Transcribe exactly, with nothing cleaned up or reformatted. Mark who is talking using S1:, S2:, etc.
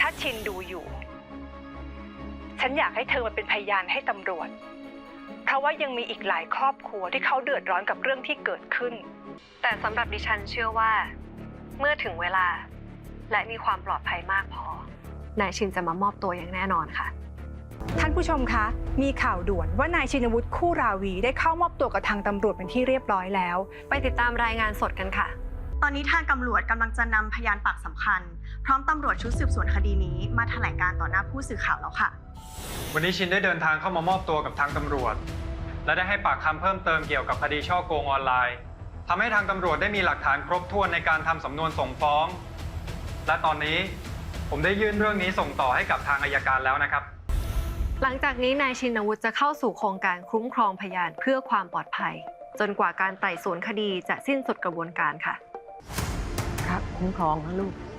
S1: ถ้าชินดูอยู่ฉันอยากให้เธอมาเป็นพยานให้ตำรวจเพราะว่ายังมีอีกหลายครอบครัวที่เขาเดือดร้อนกับเรื่องที่เกิดขึ้นแต่สำหรับดิฉันเชื่อว่าเมื่อถึงเวลาและมีความปลอดภัยมากพอนายชินจะมามอบตัวอย่างแน่นอนค่ะ
S2: ท่านผู้ชมคะมีข่าวด่วนว่านายชินวุฒิคู่ราวีได้เข้ามอบตัวกับทางตำรวจเป็นที่เรียบร้อยแล้ว
S1: ไปติดตามรายงานสดกันค่ะ
S3: ตอนนี้ทางตำรวจกำลังจะนำพยานปากสำคัญพร้อมตำรวจชุดสืบสวนคดีนี้มาแถลงการต่อหน้าผู้สื่อข่าวแล้วค่ะ
S4: วันนี้ชินได้เดินทางเข้ามามอบตัวกับทางตำรวจและได้ให้ปากคำเพิ่มเติมเกี่ยวกับคดีฉ้อโกงออนไลน์ทำให้ทางตำรวจได้มีหลักฐานครบถ้วนในการทำสำนวนส่งฟ้องและตอนนี้ผมได้ยื่นเรื่องนี้ส่งต่อให้กับทางอัยการแล้วนะครับ
S1: หลังจากนี้นายชินวุฒิจะเข้าสู่โครงการคุ้มครองพยานเพื่อความปลอดภัยจนกว่าการไต่สวนคดีจะสิ้นสุดกระบวนการค่ะ
S5: ครับคุ้มครองนะลูก